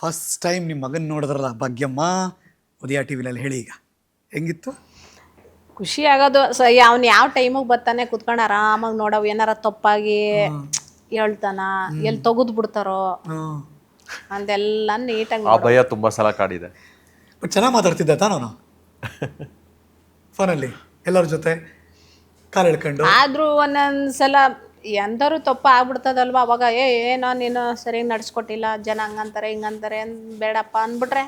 First time ನಿಮ್ಮ ಮಗನ ನೋಡಿದ್ರಲ್ಲ ಭಾಗ್ಯಮ್ಮ ಉದಯ ಟಿ ವಿನಲ್ಲಿ ಹೇಳಿ ಈಗ ಹೆಂಗಿತ್ತು? ಖುಷಿ ಆಗೋದು ಅವ್ನು ಯಾವ ಟೈಮಿಗೆ ಬರ್ತಾನೆ ಕುತ್ಕೊಂಡು ಆರಾಮಾಗಿ ನೋಡವ್ ಏನಾರ ತಪ್ಪಾಗಿ ಹೇಳ್ತಾನ ಎಲ್ಲಿ ತೆಗೆದು ಬಿಡ್ತಾರೋ ಅಂದೆಲ್ಲ ನೀಟಾಗಿ ಆ ಭಯ ತುಂಬಾ ಸಲ ಕಾಡಿದೆ. ಬಟ್ ಚೆನ್ನಾಗಿ ಮಾತಾಡ್ತಿದ್ದ ತಾನು ಫೋನಲ್ಲಿ ಎಲ್ಲರ ಜೊತೆ ಕಾಲು ಎಳ್ಕೊಂಡು. ಆದ್ರೂ ಒಂದೊಂದ್ಸಲ ಎಂದರೂ ತಪ್ಪ ಆಗ್ಬಿಡ್ತದಲ್ವ ಅವಾಗ ಏನೋ ನೀನು ಸರಿಯಾಗಿ ನಡ್ಸ್ಕೊಟ್ಟಿಲ್ಲ, ಜನ ಹಂಗಂತಾರೆ ಹಿಂಗಂತಾರೆ ಬೇಡಪ್ಪ ಅಂದ್ಬಿಟ್ರೆ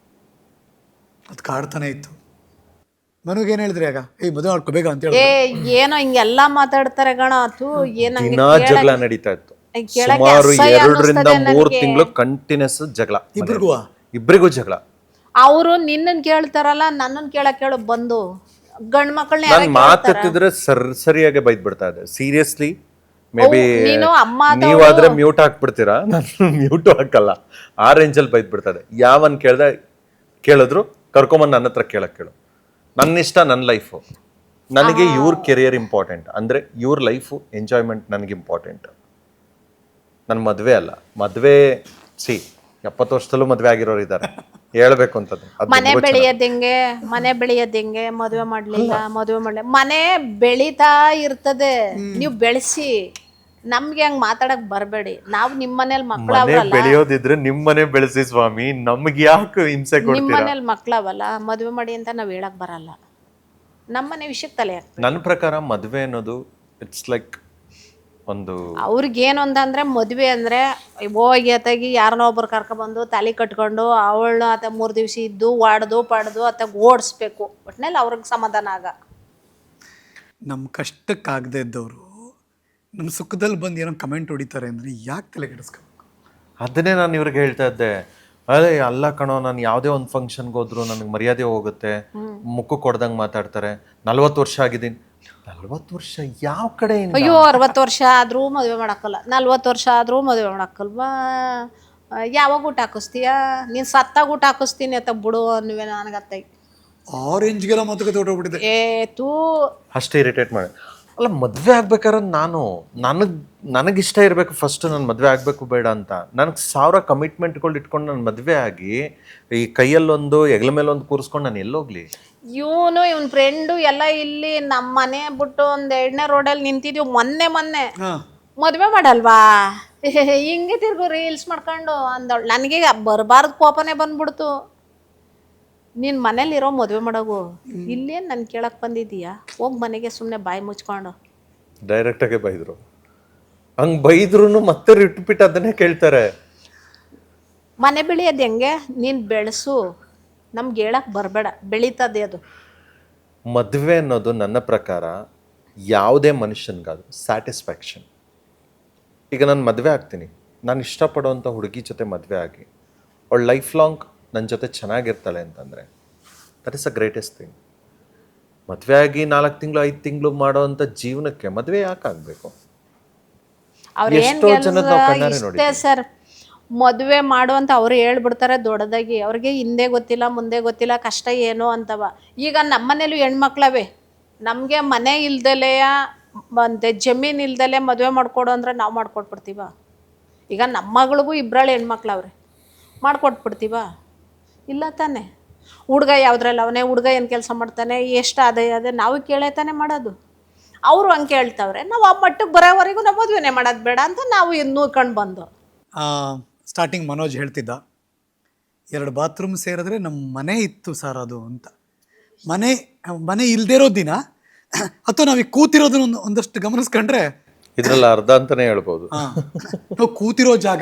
ಅದು ಕಾಡ್ತಾನೆ ಇತ್ತು. ಮನುಗೇನು ಹೇಳಿದ್ರಿ ಆಗ ಮದುವೆ ಮಾಡ್ಕೋಬೇಕ ಅಂತ ಹೇಳಿ? ಏನೋ ಹಿಂಗೆಲ್ಲ ಮಾತಾಡ್ತಾರೆ ಗಣ ಅದು ದಿನಾ ಜಗಳ ನಡೀತಾ ಇತ್ತು. ಸುಮಾರು 2 ರಿಂದ 3 ತಿಂಗಳು ಕಂಟಿನ್ಯೂಸ್ ಜಗಳ. ಇಬ್ರಿಗೂ ಜಗಳ. ಅವರು ನಿನ್ನನ್ ಕೇಳ್ತಾರಲ್ಲ ನನ್ನನ್ ಕೇಳು ಬಂದು ಗಂಡ್ ಮಕ್ಕಳನ್ನ ನಾನು ಮಾತಾಡ್ತಿದ್ರೆ ಸರಿಯಾಗಿ ಬೈದ್ ಬಿಡ್ತಾ ಇದೆ. ಸೀರಿಯಸ್ಲಿ ಮೇ ಬಿ ನೀವಾದ್ರೆ ಮ್ಯೂಟ್ ಹಾಕ್ಬಿಡ್ತೀರಾ, ನಾನು ಮ್ಯೂಟ್ ಹಾಕಲ್ಲ. ಆ ರೇಂಜಲ್ಲಿ ಬೈದ್ ಬಿಡ್ತಾ ಇದೆ. ಯಾವನ್ ಕೇಳಿದ್ರು ಕರ್ಕೊಂಬಂದು ನನ್ನ ಹತ್ರ ಕೇಳು. ನನ್ನ ಇಷ್ಟ, ನನ್ನ ಲೈಫು. ನನಗೆ ಇವ್ರ ಕೆರಿಯರ್ ಇಂಪಾರ್ಟೆಂಟ್, ಅಂದ್ರೆ ಇವ್ರ ಲೈಫು ಎಂಜಾಯ್ಮೆಂಟ್ ನನಗೆ ಇಂಪಾರ್ಟೆಂಟ್. ನನ್ನ ಮದ್ವೆ ಅಲ್ಲ. ಮದ್ವೆ 70 ವರ್ಷದಲ್ಲೂ ಮದ್ವೆ ಆಗಿರೋರು ಇದ್ದಾರೆ ಹೇಳ್ಬೇಕು ಅಂತದ್ದು. ಮನೆ ಬೆಳೆಯೋದೆಂಗೆ ಮದುವೆ ಮಾಡ್ಲಿಲ್ಲ ಮನೆ ಬೆಳೀತಾ ಇರ್ತದೆ. ನೀವು ಬೆಳೆಸಿ ನಮ್ಗೆ ಹಂಗ್ ಮಾತಾಡಕ್ ಬರ್ಬೇಡಿ. ನಾವು ನಿಮ್ ಮನೇಲಿ ಮಕ್ಳವಲ್ಲ. ಬೆಳೆಯೋದಿದ್ರೆ ನಿಮ್ ಮನೆ ಬೆಳೆಸಿ ಸ್ವಾಮಿ, ನಮ್ಗೆ ಯಾಕೆ ಹಿಂಸೆ ಕೊಡ್ತೀರಾ? ನಿಮ್ ಮನೇಲಿ ಮಕ್ಳವಲ್ಲ, ಮದುವೆ ಮಾಡಿ ಅಂತ ನಾವ್ ಹೇಳಕ್ ಬರಲ್ಲ. ನಮ್ಮನೆ ವಿಷಯಕ್ಕೆ ತಲೆ ಹಾಕ್ತಾರೆ. ನನ್ನ ಪ್ರಕಾರ ಮದ್ವೆ ಅನ್ನೋದು ಇಟ್ಸ್ ಲೈಕ್ ಒಂದು ಅವ್ರಿಗೇನು ಅಂತಂದ್ರೆ ಮದುವೆ ಅಂದ್ರೆ ಹೋಗಿ ಅತ್ತಾಗಿ ಯಾರನ್ನೋ ಒಬ್ರು ಕರ್ಕೊಬಂದು ತಾಲಿ ಕಟ್ಕೊಂಡು ಅವಳನ್ನ ಆತ 3 ದಿವಸ ಇದ್ದು ವಾಡ್ದು ಪಾಡ್ದು ಅತ್ತಾಗ ಓಡಿಸ್ಬೇಕು. ಒಟ್ನಲ್ಲಿ ಅವ್ರಿಗೆ ಸಮಾಧಾನ ಆಗ. ನಮ್ಮ ಕಷ್ಟಕ್ಕಾಗದೇ ಇದ್ದವರು ನಮ್ಮ ಸುಖದಲ್ಲಿ ಬಂದು ಏನೋ ಕಮೆಂಟ್ ಹೊಡಿತಾರೆ ಅಂದರೆ ಯಾಕೆ ತಲೆ ಕೆಡಿಸ್ಕೋಬೇಕು? ಅದನ್ನೇ ನಾನು ಇವ್ರಿಗೆ ಹೇಳ್ತಾ ಇದ್ದೆ. ಅದೇ ಅಲ್ಲ ಕಣೋ, ನಾನು ಯಾವುದೇ ಒಂದು ಫಂಕ್ಷನ್ಗೆ ಹೋದ್ರು ನನಗೆ ಮರ್ಯಾದೆ ಹೋಗುತ್ತೆ, ಮುಖಕ್ಕೆ ಕೊಡ್ದಂಗೆ ಮಾತಾಡ್ತಾರೆ. 40 ವರ್ಷ ಆಗಿದ್ದೀನಿ. 40 ವರ್ಷ ಯಾವ ಕಡೆ? ಅಯ್ಯೋ 60 ವರ್ಷ ಆದ್ರೂ ಮದುವೆ ಮಾಡಕ್ಕಲ್ಲ, 40 ವರ್ಷ ಆದ್ರೂ ಮದುವೆ ಮಾಡಕ್ಕಲ್ವಾ? ಯಾವಾಗ ಊಟ ಹಾಕಿಸ್ತೀಯ ನೀನು? ಸತ್ತಾಗ ಊಟ ಹಾಕಿಸ್ತೀನಿ ಅಂತ ಬಿಡು ಅನ್ನುವೆ ನನಗತ್ತೈ. ಆರೆಂಜ್ಗೆಲ್ಲ ಮಾತುಕತೆ ಹೊಟ್ಟೋಗ್ಬಿಟ್ಟಿದೆ. ಅಷ್ಟೇ ಇರಿಟೇಟ್ ಮಾಡಿ. ಅಲ್ಲ, ಮದುವೆ ಆಗ್ಬೇಕಾದ್ರೆ ನನಗಿಷ್ಟ ಇರಬೇಕು ಫಸ್ಟ್. ನಾನು ಮದುವೆ ಆಗಬೇಕು ಬೇಡ ಅಂತ. ನನಗೆ 1000 ಕಮಿಟ್ಮೆಂಟ್ಗಳು ಇಟ್ಕೊಂಡು ನಾನು ಮದುವೆ ಆಗಿ ಈ ಕೈಯಲ್ಲೊಂದು ಹೆಗಲ ಮೇಲೊಂದು ಕೂರಿಸ್ಕೊಂಡು ನಾನು ಎಲ್ಲೋಗ್ಲಿ? ಇವನ್ ಫ್ರೆಂಡು ಎಲ್ಲ ಇಲ್ಲಿ ನಮ್ಮ ಮನೆ ಬಿಟ್ಟು ಒಂದು 2ನೇ ರೋಡಲ್ಲಿ ನಿಂತಿದ್ವಿ ಮೊನ್ನೆ ಮದುವೆ ಮಾಡಲ್ವಾ ಹಿಂಗೆ ತಿರ್ಗು ರೀಲ್ಸ್ ಮಾಡ್ಕೊಂಡು ಅಂದವಳು. ನನಗೆ ಬರಬಾರ್ದು ಕೋಪನೇ ಬಂದ್ಬಿಡ್ತು. ನೀನು ಮನೇಲಿರೋ ಮದುವೆ ಮಾಡೋಗು, ಇಲ್ಲೇನು ನಾನು ಕೇಳಕ್ಕೆ ಬಂದಿದ್ದೀಯಾ? ಹೋಗಿ ಮನೆಗೆ ಸುಮ್ಮನೆ ಬಾಯಿ ಮುಚ್ಕೊಂಡು. ಡೈರೆಕ್ಟಾಗೆ ಬೈದರು. ಹಂಗೆ ಬೈದ್ರು ಮತ್ತೆ ರಿಪೀಟ್ ಅದನ್ನೇ ಕೇಳ್ತಾರೆ. ಮನೆ ಬೆಳೆಯೋದು ಹೆಂಗೆ? ನೀನು ಬೆಳೆಸು, ನಮ್ಗೆ ಹೇಳಕ್ಕೆ ಬರಬೇಡ, ಬೆಳೀತದೆ ಅದು. ಮದುವೆ ಅನ್ನೋದು ನನ್ನ ಪ್ರಕಾರ ಯಾವುದೇ ಮನುಷ್ಯನಿಗಾದ್ರು ಸ್ಯಾಟಿಸ್ಫ್ಯಾಕ್ಷನ್. ಈಗ ನಾನು ಮದುವೆ ಆಗ್ತೀನಿ, ನಾನು ಇಷ್ಟಪಡೋವಂಥ ಹುಡುಗಿ ಜೊತೆ ಮದುವೆ ಆಗಿ ಅವಳು ಲೈಫ್ ಲಾಂಗ್ ನನ್ನ ಜೊತೆ ಚೆನ್ನಾಗಿರ್ತಾಳೆ ಅಂತಂದರೆ that is a greatest thing. ಮದುವೆ ಆಗಿ 4 ತಿಂಗಳು 5 ತಿಂಗಳು ಮಾಡೋವಂಥ ಜೀವನಕ್ಕೆ ಮದುವೆ ಯಾಕೆ ಆಗಬೇಕು? ಎಷ್ಟೋ ಜನದ ನಾವು ಕಣ್ಣಾರೆ ನೋಡಿ ಸರ್, ಮದುವೆ ಮಾಡುವಂತ ಅವ್ರು ಹೇಳ್ಬಿಡ್ತಾರೆ ದೊಡ್ಡದಾಗಿ. ಅವ್ರಿಗೆ ಹಿಂದೆ ಗೊತ್ತಿಲ್ಲ ಮುಂದೆ ಗೊತ್ತಿಲ್ಲ ಕಷ್ಟ ಏನು ಅಂತವ. ಈಗ ನಮ್ಮನೇಲೂ ಹೆಣ್ಮಕ್ಳವೆ, ನಮಗೆ ಮನೆ ಇಲ್ದಲೇ ಮತ್ತೆ ಜಮೀನು ಇಲ್ದಲೇ ಮದುವೆ ಮಾಡ್ಕೊಡು ಅಂದ್ರೆ ನಾವು ಮಾಡ್ಕೊಟ್ಬಿಡ್ತೀವ? ಈಗ ನಮ್ಮ ಮಗಳಿಗೂ 2 ಹೆಣ್ಮಕ್ಳವ್ರೆ, ಮಾಡ್ಕೊಟ್ಬಿಡ್ತೀವ? ಇಲ್ಲ ತಾನೆ. ಹುಡುಗ ಯಾವುದ್ರಲ್ಲ ಅವನೇ, ಹುಡುಗ ಏನು ಕೆಲಸ ಮಾಡ್ತಾನೆ, ಎಷ್ಟು ಅದೇ ನಾವು ಕೇಳೇ ತಾನೆ ಮಾಡೋದು. ಅವರು ಹಂಗೆ ಕೇಳ್ತಾವ್ರೆ, ನಾವು ಆ ಮಟ್ಟಕ್ಕೆ ಬರೋವರೆಗೂ ನಾವು ಮದುವೆನೇ ಮಾಡೋದು ಬೇಡ ಅಂತ ನಾವು ಇನ್ನೂ ಕಂಡು ಬಂದು. ಸ್ಟಾರ್ಟಿಂಗ್ ಮನೋಜ್ ಹೇಳ್ತಿದ್ದ 2 ಬಾತ್ರೂಮ್ ಸೇರಿದ್ರೆ ನಮ್ಮ ಮನೆ ಇತ್ತು ಸರ್ ಅದು ಅಂತ. ಮನೆ ಇಲ್ದೇ ಇರೋ ದಿನ ಅಥವಾ ನಾವೀಗ ಕೂತಿರೋದನ್ನ ಒಂದಷ್ಟು ಗಮನಿಸ್ಕೊಂಡ್ರೆ ಇದ್ರಲ್ಲಿ ಅರ್ಧ ಅಂತಾನೆ ಹೇಳ್ಬೋದು. ನಾವು ಕೂತಿರೋ ಜಾಗ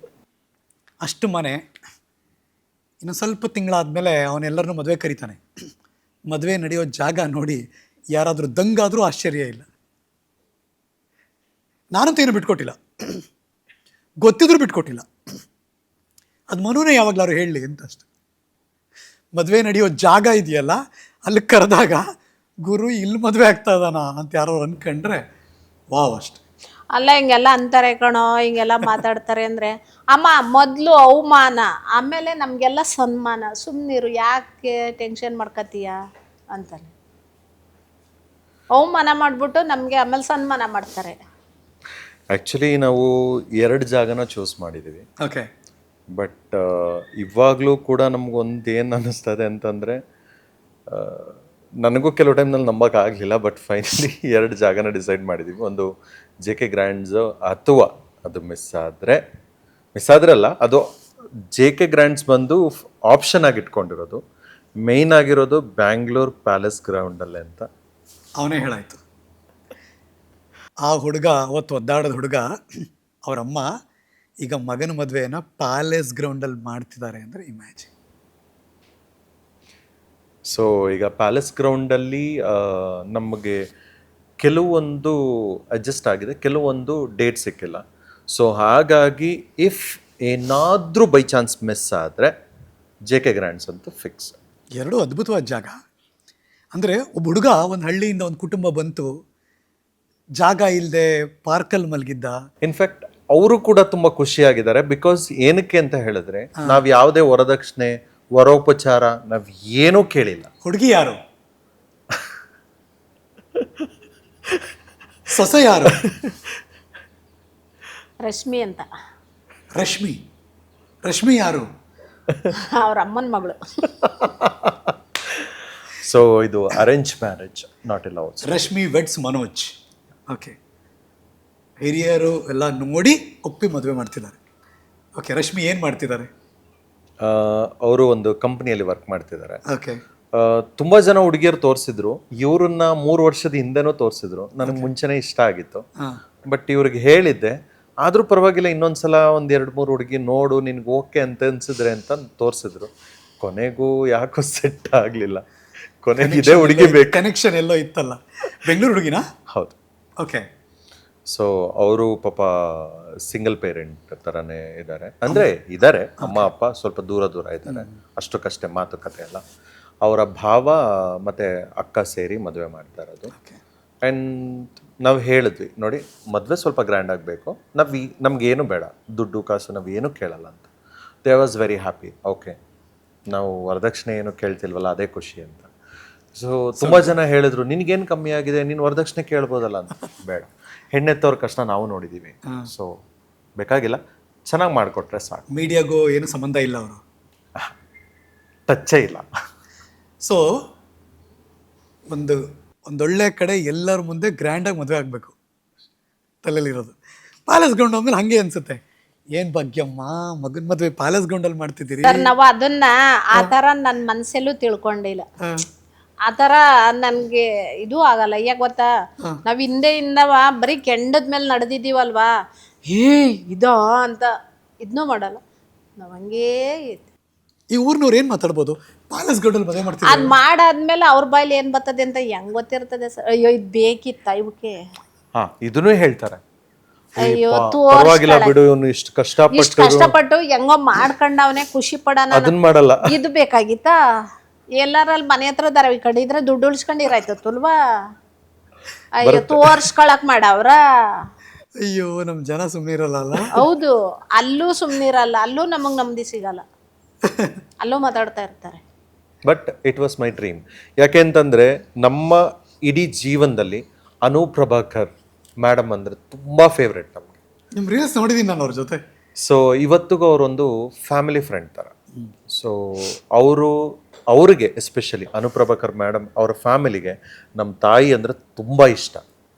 ಅಷ್ಟು ಮನೆ. ಇನ್ನು ಸ್ವಲ್ಪ ತಿಂಗಳಾದ್ಮೇಲೆ ಅವನೆಲ್ಲರನ್ನೂ ಮದುವೆ ಕರೀತಾನೆ. ಮದುವೆ ನಡೆಯೋ ಜಾಗ ನೋಡಿ ಯಾರಾದರೂ ದಂಗಾದರೂ ಆಶ್ಚರ್ಯ ಇಲ್ಲ. ನಾನಂತೂ ಏನು ಬಿಟ್ಕೊಟ್ಟಿಲ್ಲ, ಗೊತ್ತಿದ್ರೂ ಬಿಟ್ಕೊಟ್ಟಿಲ್ಲ. ಅದು ಮನುನೇ ಯಾವಾಗಲಾರು ಹೇಳಲಿ ಅಂತ ಅಷ್ಟೆ. ಮದುವೆ ನಡೆಯೋ ಜಾಗ ಇದೆಯಲ್ಲ, ಅಲ್ಲಿ ಕರೆದಾಗ ಗುರು ಇಲ್ಲಿ ಮದುವೆ ಆಗ್ತಾ ಇದ್ದಾನ ಅಂತ ಯಾರೋ ಅನ್ಕೊಂಡ್ರೆ ವಾವ್ ಅಷ್ಟೆ. ಅಲ್ಲ ಹಿಂಗೆಲ್ಲ ಅಂತಾರೆ ಕಣೋ, ಹಿಂಗೆಲ್ಲ ಮಾತಾಡ್ತಾರೆ ಅಂದರೆ ಅಮ್ಮ ಮೊದಲು ಅವಮಾನ, ಆಮೇಲೆ ನಮಗೆಲ್ಲ ಸನ್ಮಾನ. ಸುಮ್ಮನಿರು, ಯಾಕೆ ಟೆನ್ಷನ್ ಮಾಡ್ಕೊತೀಯ ಅಂತಾನೆ. ಅವಮಾನ ಮಾಡಿಬಿಟ್ಟು ನಮಗೆ ಆಮೇಲೆ ಸನ್ಮಾನ ಮಾಡ್ತಾರೆ. ಆ್ಯಕ್ಚುಲಿ ನಾವು 2 ಜಾಗನ ಚೂಸ್ ಮಾಡಿದ್ದೀವಿ. ಓಕೆ. ಬಟ್ ಇವಾಗಲೂ ಕೂಡ ನಮಗೊಂದು ಏನು ಅನ್ನಿಸ್ತದೆ ಅಂತಂದರೆ, ನನಗೂ ಕೆಲವು ಟೈಮ್ನಲ್ಲಿ ನಂಬೋಕ್ಕಾಗಲಿಲ್ಲ. ಬಟ್ ಫೈನಲಿ 2 ಜಾಗನ ಡಿಸೈಡ್ ಮಾಡಿದ್ದೀವಿ. ಒಂದು JK ಗ್ರ್ಯಾಂಡ್ಸು, ಅಥವಾ ಅದು ಮಿಸ್ ಆದರೆ ಅಲ್ಲ, ಅದು JK ಗ್ರ್ಯಾಂಡ್ಸ್ ಬಂದು ಆಪ್ಷನ್ ಆಗಿ ಇಟ್ಕೊಂಡಿರೋದು. ಮೇಯ್ನ್ ಆಗಿರೋದು ಬ್ಯಾಂಗ್ಳೂರ್ ಪ್ಯಾಲೇಸ್ ಗ್ರೌಂಡಲ್ಲೇ ಅಂತ. ಅವನೇ ಹೇಳಾಯ್ತು. ಆ ಹುಡುಗ ಅವತ್ತು ಒದ್ದಾಡದ ಹುಡುಗ ಅವರಮ್ಮ ಈಗ ಮಗನ ಮದುವೆಯನ್ನು ಪ್ಯಾಲೇಸ್ ಗ್ರೌಂಡಲ್ಲಿ ಮಾಡ್ತಿದ್ದಾರೆ ಅಂದರೆ ಇಮ್ಯಾಜಿನ್. ಸೊ ಈಗ ಪ್ಯಾಲೇಸ್ ಗ್ರೌಂಡಲ್ಲಿ ನಮಗೆ ಕೆಲವೊಂದು ಅಡ್ಜಸ್ಟ್ ಆಗಿದೆ, ಕೆಲವೊಂದು ಡೇಟ್ ಸಿಕ್ಕಿಲ್ಲ. ಸೊ ಹಾಗಾಗಿ ಇಫ್ ಏನಾದರೂ ಬೈ ಚಾನ್ಸ್ ಮಿಸ್ ಆದರೆ JK ಗ್ರ್ಯಾಂಡ್ಸ್ ಅಂತೂ ಫಿಕ್ಸ್. ಎರಡೂ ಅದ್ಭುತವಾದ ಜಾಗ. ಅಂದರೆ ಒಬ್ಬ ಹುಡುಗ ಒಂದು ಹಳ್ಳಿಯಿಂದ ಒಂದು ಕುಟುಂಬ ಬಂತು, ಜಾಗ ಇಲ್ಲದೆ ಪಾರ್ಕಲ್ಲಿ ಮಲಗಿದ್ದ. ಇನ್ಫ್ಯಾಕ್ಟ್ ಅವರು ಕೂಡ ತುಂಬ ಖುಷಿಯಾಗಿದ್ದಾರೆ. ಬಿಕಾಸ್ ಏನಕ್ಕೆ ಅಂತ ಹೇಳಿದ್ರೆ, ನಾವು ಯಾವುದೇ ವರದಕ್ಷಿಣೆ, ವರೋಪಚಾರ ನಾವು ಏನೂ ಕೇಳಿಲ್ಲ. ಹುಡುಗಿ ಯಾರು? ಸೊಸೆ ಯಾರು? ರಶ್ಮಿ ಅಂತ. ರಶ್ಮಿ ಯಾರು? ಅವ್ರ ಅಮ್ಮನ ಮಗಳು. ಸೊ ಇದು arrange marriage, not a love. Rashmi weds Manoj. Okay, ಹಿರಿಯರು ಎಲ್ಲ ನೋಡಿ ಒಪ್ಪಿ ಮದುವೆ ಮಾಡ್ತಿದ್ದಾರೆ. ಓಕೆ, ರಶ್ಮಿ ಏನು ಮಾಡ್ತಿದ್ದಾರೆ? ಅವರು ಒಂದು ಕಂಪ್ನಿಯಲ್ಲಿ ವರ್ಕ್ ಮಾಡ್ತಿದ್ದಾರೆ. ಓಕೆ. ತುಂಬ ಜನ ಹುಡುಗಿಯರು ತೋರಿಸಿದ್ರು, ಇವ್ರನ್ನ 3 ವರ್ಷದ ಹಿಂದೆನೂ ತೋರಿಸಿದ್ರು. ನನಗೆ ಮುಂಚೆನೇ ಇಷ್ಟ ಆಗಿತ್ತು. ಬಟ್ ಇವ್ರಿಗೆ ಹೇಳಿದ್ದೆ, ಆದರೂ ಪರವಾಗಿಲ್ಲ, ಇನ್ನೊಂದ್ಸಲ 1-2-3 ಹುಡುಗಿ ನೋಡು, ನಿನ್ಗೆ ಓಕೆ ಅಂತ ಅನ್ಸಿದ್ರೆ ಅಂತ ತೋರಿಸಿದ್ರು. ಕೊನೆಗೂ ಯಾಕೋ ಸೆಟ್ ಆಗಲಿಲ್ಲ. ಕೊನೆಗೆ ಇದೇ ಹುಡುಗಿ ಬೇಕು. ಕನೆಕ್ಷನ್ ಎಲ್ಲೋ ಇತ್ತಲ್ಲ. ಬೆಂಗಳೂರು ಹುಡುಗಿನಾ? ಹೌದು. ಓಕೆ. ಸೊ ಅವರು ಪಾಪ ಸಿಂಗಲ್ ಪೇರೆಂಟ್ ಥರನೇ ಇದ್ದಾರೆ. ಅಂದರೆ ಇದ್ದಾರೆ, ಅಮ್ಮ ಅಪ್ಪ ಸ್ವಲ್ಪ ದೂರ ಇದ್ದಾರೆ, ಅಷ್ಟಕ್ಕಷ್ಟೇ, ಮಾತುಕತೆ ಎಲ್ಲ. ಅವರ ಭಾವ ಮತ್ತು ಅಕ್ಕ ಸೇರಿ ಮದುವೆ ಮಾಡ್ತಾ ಇರೋದು. ಆ್ಯಂಡ್ ನಾವು ಹೇಳಿದ್ವಿ, ನೋಡಿ ಮದುವೆ ಸ್ವಲ್ಪ ಗ್ರ್ಯಾಂಡ್ ಆಗಬೇಕು, ನಮಗೇನು ಬೇಡ, ದುಡ್ಡು ಕಾಸು ನಾವು ಏನೂ ಕೇಳಲ್ಲ ಅಂತ. They was very happy. Okay, ನಾವು ವರದಕ್ಷಿಣೆ ಏನು ಕೇಳ್ತಿಲ್ವಲ್ಲ, ಅದೇ ಖುಷಿ ಅಂತ. ಸೊ ತುಂಬ ಜನ ಹೇಳಿದ್ರು, ನಿನಗೇನು ಕಮ್ಮಿ ಆಗಿದೆ, ನೀನು ವರದಕ್ಷಿಣೆ ಕೇಳ್ಬೋದಲ್ಲ ಅಂತ. ಬೇಡ, ಹೆಣ್ಣೆತ್ತವ್ರ ಕಷ್ಟ ನಾವು ನೋಡಿದ್ದೀವಿ. ಸೊ ಬೇಕಾಗಿಲ್ಲ, ಚೆನ್ನಾಗಿ ಮಾಡಿಕೊಟ್ರೆ ಸಾಕು. ಮೀಡಿಯಾಗೂ ಏನು ಸಂಬಂಧ ಇಲ್ಲ, ಅವರು ಟಚ್ಚೇ ಇಲ್ಲ. ಸೊ ಒಂದೊಳ್ಳೆ ಕಡೆ ಎಲ್ಲರ ಮುಂದೆ ಗ್ರ್ಯಾಂಡಾಗಿ ಮದುವೆ ಆಗಬೇಕು ತಲೆಯಲ್ಲಿರೋದು. ಪ್ಯಾಲೇಸ್ ಗ್ರೌಂಡ್ ಅಂದ್ಮೇಲೆ ಹಾಗೆ ಅನ್ಸುತ್ತೆ, ಏನು ಭಾಗ್ಯಮ್ಮ ಮಗನ ಮದುವೆ ಪ್ಯಾಲೇಸ್ ಗ್ರೌಂಡಲ್ಲಿ ಮಾಡ್ತಿದ್ದೀರಿ. ಸರ್, ನಾವು ಅದನ್ನ ಆ ಥರ ನನ್ನ ಮನಸ್ಸಲ್ಲೂ ತಿಳ್ಕೊಂಡಿಲ್ಲ. ಆ ಥರ ನನಗೆ ಇದು ಆಗಲ್ಲ. ಯಾಕೆ ಗೊತ್ತಾ, ನಾವು ಹಿಂದೆಯಿಂದವ ಬರೀ ಕೆಂಡದ ಮೇಲೆ ನಡೆದಿದ್ದೀವಲ್ವಾ, ಇದಾ ಅಂತ ಇದನ್ನೂ ಮಾಡಲ್ಲ ನಾವು. ಹಂಗೇ ಈ ಊರ್ನವ್ರು ಏನು ಮಾತಾಡ್ಬೋದು, ಪ್ಯಾಲೇಸ್ ಗ್ರೌಂಡಲ್ಲಿ ಮದುವೆ ಮಾಡ್ತೀವಿ. ಅದು ಮಾಡಾದ್ಮೇಲೆ ಅವ್ರ ಬಾಯಲ್ಲಿ ಏನು ಬರ್ತದೆ ಅಂತ ಹೆಂಗ್ ಗೊತ್ತಿರ್ತದೆ ಸರ್? ಅಯ್ಯೋ, ಇದು ಬೇಕಿತ್ತ ಇವಕ್ಕೆ? ಇದನ್ನೂ ಹೇಳ್ತಾರೆ, ಅಯ್ಯೋ ಪರವಾಗಿಲ್ಲ ಬಿಡು, ಇವನು ಇಷ್ಟು ಕಷ್ಟಪಟ್ಟು ಹೆಂಗೋ ಮಾಡ್ಕೊಂಡವನೇ, ಖುಷಿ ಪಡೋಣ, ಅದನ್ನ ಮಾಡಲ್ಲ. ಇದು ಬೇಕಾಗಿತ್ತಾ? ಎಲ್ಲರಲ್ಲಿ ಮನೆ ಹತ್ರ ದರವಿ ಕಡಿದ್ರೆ ದುಡ್ಡು ಉಳಿಸ್ಕೊಂಡಿರಾಯ್ತಲ್ವಾ? ಅಯ್ಯೋ, ತೋರ್ಸ್ಕೊಳಕ್ ಮಾಡವ್ರ. ಅಯ್ಯೋ, ನಮ್ಮ ಜನ ಸುಮ್ಮನೆ ಇರಲ್ಲ. ಹೌದು, ಅಲ್ಲೂ ಸುಮ್ಮನಿರಲ್ಲ, ಅಲ್ಲೂ ನಮಗ್ ನೆಮ್ಮದಿ ಸಿಗಲ್ಲ, ಅಲ್ಲೂ ಮಾತಾಡ್ತಾ ಇರ್ತಾರೆ. But it was my dream. ಯಾಕೆ ಅಂತಂದರೆ, ನಮ್ಮ ಇಡೀ ಜೀವನದಲ್ಲಿ ಅನು ಪ್ರಭಾಕರ್ ಮೇಡಮ್ ಅಂದರೆ ತುಂಬ ಫೇವ್ರೆಟ್ ನಮಗೆ. ನಿಮ್ಮ ರೀಲ್ಸ್ ನೋಡಿದ್ದೀನಿ ನಾನು ಅವ್ರ ಜೊತೆ. ಸೊ ಇವತ್ತಿಗೂ ಅವರೊಂದು ಫ್ಯಾಮಿಲಿ ಫ್ರೆಂಡ್ ಥರ. ಸೊ ಅವ್ರಿಗೆ ಎಸ್ಪೆಷಲಿ ಅನುಪ್ರಭಾಕರ್ ಮೇಡಮ್ ಅವರ ಫ್ಯಾಮಿಲಿಗೆ ನಮ್ಮ ತಾಯಿ ಅಂದರೆ ತುಂಬ ಇಷ್ಟ.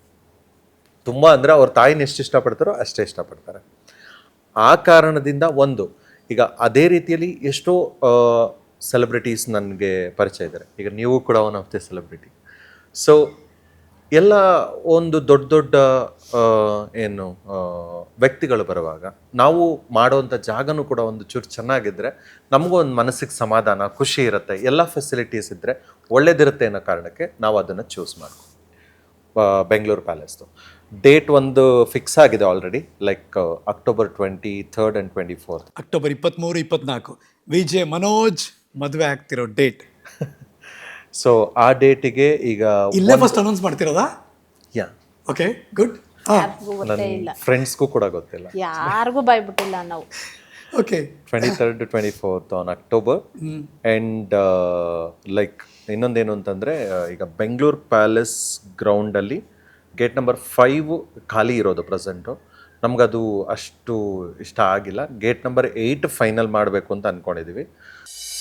ತುಂಬ ಅಂದರೆ ಅವ್ರ ತಾಯಿನ ಎಷ್ಟು ಇಷ್ಟಪಡ್ತಾರೋ ಅಷ್ಟೇ ಇಷ್ಟಪಡ್ತಾರೆ. ಆ ಕಾರಣದಿಂದ ಈಗ ಅದೇ ರೀತಿಯಲ್ಲಿ ಎಷ್ಟೋ ಸೆಲೆಬ್ರಿಟೀಸ್ ನನಗೆ ಪರಿಚಯ ಇದ್ದಾರೆ. ಈಗ ನೀವು ಕೂಡ one of the celebrity. So ಎಲ್ಲ ಒಂದು ದೊಡ್ಡ ಏನು ವ್ಯಕ್ತಿಗಳು ಬರುವಾಗ ನಾವು ಮಾಡೋವಂಥ ಜಾಗನೂ ಕೂಡ ಒಂದು ಚೂರು ಚೆನ್ನಾಗಿದ್ದರೆ ನಮಗೂ ಒಂದು ಮನಸ್ಸಿಗೆ ಸಮಾಧಾನ, ಖುಷಿ ಇರುತ್ತೆ. ಎಲ್ಲ ಫೆಸಿಲಿಟೀಸ್ ಇದ್ದರೆ ಒಳ್ಳೇದಿರುತ್ತೆ ಅನ್ನೋ ಕಾರಣಕ್ಕೆ ನಾವು ಅದನ್ನು ಚೂಸ್ ಮಾಡ್ತೀವಿ. ಬೆಂಗಳೂರು ಪ್ಯಾಲೇಸ್ದು ಡೇಟ್ ಒಂದು ಫಿಕ್ಸ್ ಆಗಿದೆ already, like October 23rd and 24th. October 23-24 Vijay Manoj ಮದುವೆ ಆಗ್ತಿರೋ ಡೇಟ್. ಸೊ ಆ ಡೇಟಿಗೆ ಈಗ ಇಲ್ಲೇ ಫಸ್ಟ್ ಅನೌನ್ಸ್ ಮಾಡ್ತಿರೋದಾ? Yeah, okay, good. ನನ್ನ ಫ್ರೆಂಡ್ಸ್ಗೂ ಕೂಡ ಗೊತ್ತಿಲ್ಲ, ಯಾರಿಗೂ ಬಾಯ್ಬಿಟ್ಟಿಲ್ಲ ನಾವು. Okay, 23rd to 24th on October. And like ಇನ್ನೊಂದೇನು ಅಂತಂದರೆ, ಈಗ ಬೆಂಗಳೂರು ಪ್ಯಾಲೇಸ್ ಗ್ರೌಂಡಲ್ಲಿ ಗೇಟ್ ನಂಬರ್ 5 ಖಾಲಿ ಇರೋದು ಪ್ರೆಸೆಂಟು. ನಮ್ಗದು ಅಷ್ಟು ಇಷ್ಟ ಆಗಿಲ್ಲ. ಗೇಟ್ ನಂಬರ್ 8 ಫೈನಲ್ ಮಾಡಬೇಕು ಅಂತ ಅಂದ್ಕೊಂಡಿದ್ದೀವಿ.